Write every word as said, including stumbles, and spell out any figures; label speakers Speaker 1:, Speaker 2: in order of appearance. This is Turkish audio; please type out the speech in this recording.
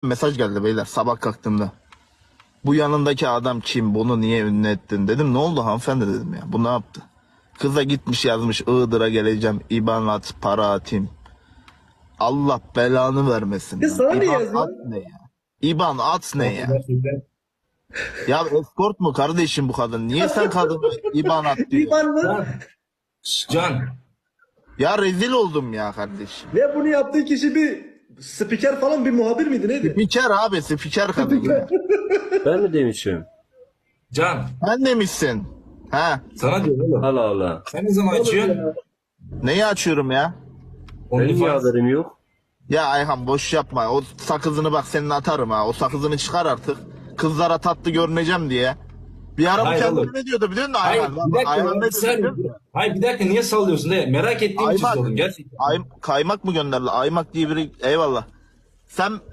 Speaker 1: Mesaj geldi beyler sabah kalktığımda. Bu yanındaki adam kim? Bunu niye ünlü ettin? Dedim ne oldu hanımefendi dedim ya. Bu ne yaptı? Kıza gitmiş yazmış Iğdır'a geleceğim. İban at para atayım. Allah belanı vermesin.
Speaker 2: Ya
Speaker 1: lan.
Speaker 2: sana ne
Speaker 1: İban
Speaker 2: yazıyor?
Speaker 1: at ne ya? İban at ne ya?
Speaker 3: Gerçekten.
Speaker 1: Ya escort mu kardeşim bu kadın? Niye sen kadını İban at diyor?
Speaker 2: İban mı?
Speaker 3: Can. Can.
Speaker 1: Ya rezil oldum ya kardeşim.
Speaker 2: Ve bunu yaptığı kişi bir spiker falan bir muhabir miydi neydi?
Speaker 1: Spiker abi spiker kadın ya.
Speaker 4: Ben mi demişim?
Speaker 3: Can.
Speaker 1: Sen demişsin. Ha?
Speaker 3: Sana diyorum oğlum.
Speaker 4: Allah Allah.
Speaker 3: Sen ne zaman açıyorsun?
Speaker 1: Neyi açıyorum ya?
Speaker 4: Benim niye
Speaker 3: OnlyFans.
Speaker 4: haberim yok?
Speaker 1: Ya Ayhan boş yapma. O sakızını bak senin atarım ha. O sakızını çıkar artık. Kızlara tatlı görüneceğim diye. Bir ara bu
Speaker 3: Hayır
Speaker 1: kendine
Speaker 3: oğlum.
Speaker 1: ne diyordu biliyor musun
Speaker 3: Hayır
Speaker 1: Ayhan?
Speaker 3: bir dakika.
Speaker 1: Ayhan
Speaker 3: ya,
Speaker 1: ne
Speaker 3: bir saniye.
Speaker 1: diyordu? biliyor musun?
Speaker 3: Hayır bir dakika niye sallıyorsun de merak ettiğim için
Speaker 1: Aymak.
Speaker 3: sordum gerçekten.
Speaker 1: Ay, kaymak mı gönderdi? Aymak diye biri eyvallah. Sen